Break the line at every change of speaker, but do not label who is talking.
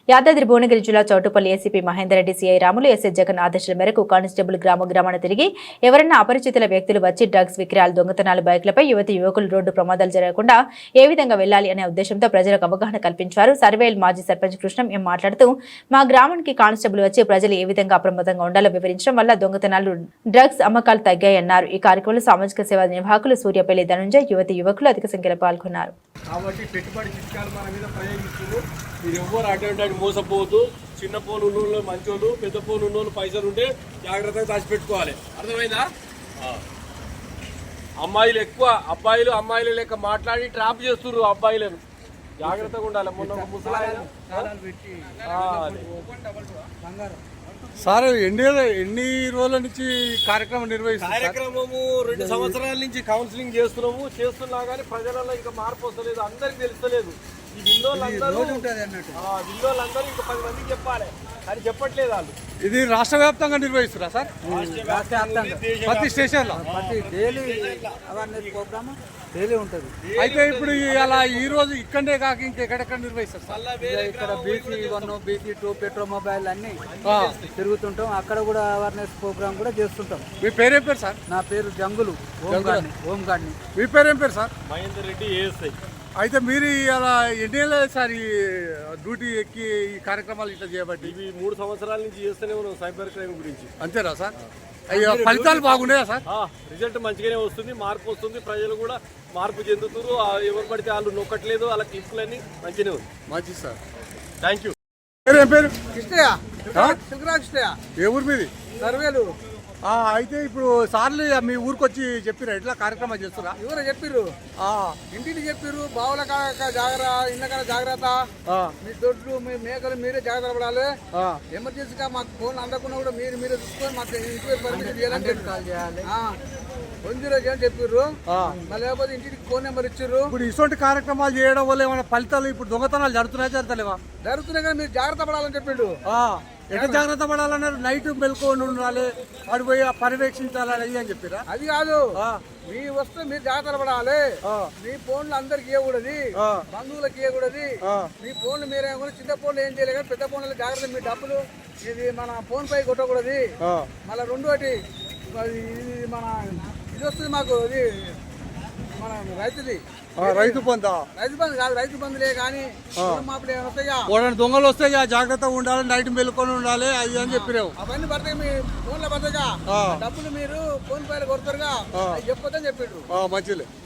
యాదాద్రి భువనగిరి జిల్లా Choutuppal ACP Mahender Reddy CI Ramulu SI Jagan ఆదేశాల మేరకు కానిస్టేబుల్ గ్రామాన తిరిగి ఎవరన్నా అపరిచితుల వ్యక్తులు వచ్చి డ్రగ్స్ విక్రయాలు దొంగతనాలు బైక్లపై యువకులు రోడ్డు ప్రమాదాలు జరగకుండా ఏ విధంగా వెళ్లాలి అనే ఉద్దేశంతో ప్రజలకు అవగాహన కల్పించారు. సర్వేల్ మాజీ సర్పంచ్ కృష్ణం ఎం మాట్లాడుతూ మా గ్రామానికి కానిస్టేబుల్ వచ్చి ప్రజలు ఏ విధంగా అప్రమత్తంగా ఉండాలో వివరించడం వల్ల దొంగతనాలు డ్రగ్స్ అమ్మకాలు తగ్గాయన్నారు. ఈ కార్యక్రమంలో సామాజిక సేవా నిర్వాహకులు సూర్యపల్లి ధనుంజయ్ యువకులు అధిక సంఖ్యలో పాల్గొన్నారు.
కాబట్టి పెట్టుబడి చిట్కాలు మన మీద ప్రయోగిస్తున్నారు. మీరు ఎవ్వరు అటువంటి మోసపోవద్దు. చిన్న ఫోన్ ఉన్నోళ్ళు మంచోళ్ళు, పెద్ద ఫోన్ ఉన్నోళ్ళు పైసలు ఉంటే జాగ్రత్తగా దాచిపెట్టుకోవాలి. అర్థమైందా? అమ్మాయిలు ఎక్కువ అబ్బాయిలు అమ్మాయిలు లెక్క మాట్లాడి ట్రాప్ చేస్తున్నారు అబ్బాయిలను. జాగ్రత్తగా ఉండాలి. మొన్న ముసలాయన
సార్ ఎన్ని రోజుల నుంచి కార్యక్రమం
కార్యక్రమము 2 సంవత్సరాల నుంచి కౌన్సిలింగ్ చేస్తున్నా కానీ ప్రజలలో ఇంకా మార్పు వస్తలేదు. అందరికి తెలుస్తలేదు. ఈ విన్నోళ్ళందరూ ఇంకా 10 మందికి చెప్పాలి కానీ చెప్పట్లేదు వాళ్ళు.
ఇది రాష్ట్ర వ్యాప్తంగా నిర్వహిస్తున్నా సార్? ప్రతి స్టేషన్ లో
డైలీ ఉంటుంది.
అయితే ఇప్పుడు అలా ఈ రోజు ఇక్కడే కాక ఇంకెక్కడెక్కడ నిర్వహిస్తారు సార్?
ఇక్కడ BC1, BC2 పెట్రో మొబైల్ అన్ని తిరుగుతుంటాం. అక్కడ కూడా అవేర్నెస్ ప్రోగ్రామ్ కూడా చేస్తుంటాం.
మీ పేరేం పేరు సార్?
నా పేరు జంగులు హోమ్ గార్డ్ని.
మీ పేరేం పేరు సార్?
మహేందర్ రెడ్డి ఏఎస్ఐ.
అయితే మీరు అలా ఎన్ని సార్ ఈ డ్యూటీ ఎక్కి ఈ కార్యక్రమాలు ఇట్లా చేయబట్టి?
ఇవి 3 సంవత్సరాల నుంచి చేస్తూనే ఉన్నాం సైబర్ క్రైమ్ గురించి.
అంతేనా సార్? అయ్యో ఫలితాలు బాగున్నాయా సార్?
రిజల్ట్ మంచిగానే వస్తుంది. మార్పు వస్తుంది. ప్రజలు కూడా మార్పు చెందుతున్నారు. ఎవరు పడితే వాళ్ళు నొక్కట్లేదు. వాళ్ళ క్లిప్లన్నీ మంచిగానే ఉంది.
మంచిది సార్.
Thank you.
ఏం పేరు?
కృష్ణయ్య, శివరాజ్ కృష్ణయ్య.
ఏ ఊరు మీది?
సర్వేలు.
అయితే ఇప్పుడు సార్లు మీ ఊరికి వచ్చి చెప్పిరా ఎట్లా కార్యక్రమాలు చేస్తురా?
ఎవరో చెప్పిర్రు, ఇంటికి చెప్పిర్రు. బావుల జాగ్రత్త, ఇళ్ళ జాగ్రత్త, మీ దొడ్లు మీ మేకలు మీరే జాగ్రత్త పడాలి. ఎమర్జెన్సీగా మాకు ఫోన్ అందకుండా కూడా మీరే చూసుకొని మాకు ఇంటికి పర్మిషన్ చేయాలని చెప్పిర్రు. మళ్ళీ లేకపోతే ఇంటికి ఫోన్ నెంబర్ ఇచ్చిర్రు.
ఇప్పుడు ఇటువంటి కార్యక్రమాలు చేయడం వల్ల ఏమైనా ఫలితాలు ఇప్పుడు దొంగతనాలు జరుగుతున్నాయా?
జరుగుతున్నాయి కానీ మీరు జాగ్రత్త పడాలని చెప్పిండు.
ఎట్లా జాగ్రత్త పడాలన్నారు? నైట్ మెలుకొని ఉండాలి, వాడు పోయి పర్యవేక్షించాలని అని చెప్పిరా?
అది కాదు, మీ వస్తే మీరు జాగ్రత్త పడాలి. మీ ఫోన్లు అందరికి ఇవ్వకూడదు, బంధువులకు ఇవ్వకూడదు. మీ ఫోన్లు మీరే చిన్న ఫోన్లు ఏం చేయలేదు కానీ పెద్ద ఫోన్లు జాగ్రత్త. మీ డబ్బులు ఇది మన ఫోన్ పై కొట్టకూడదు. మళ్ళీ రెండోటి ఇది మన ఇది వస్తుంది మాకు, ఇది మన రైతుది
రైతు బంధు
కాదు, రైతు బంధులే కానీ మాపులు ఏమైనా వస్తాయా?
దొంగలు వస్తాయి, జాగ్రత్తగా ఉండాలి, నైట్ మెలుకొని ఉండాలి అది అని చెప్పినావు.
అవన్నీ పడతాయి, మీ ఫోన్లో పడతాయిగా. డబ్బులు మీరు ఫోన్ పైన కొడతారుగా, చెప్పొద్దని చెప్పిండ్రు.
మంచిలే.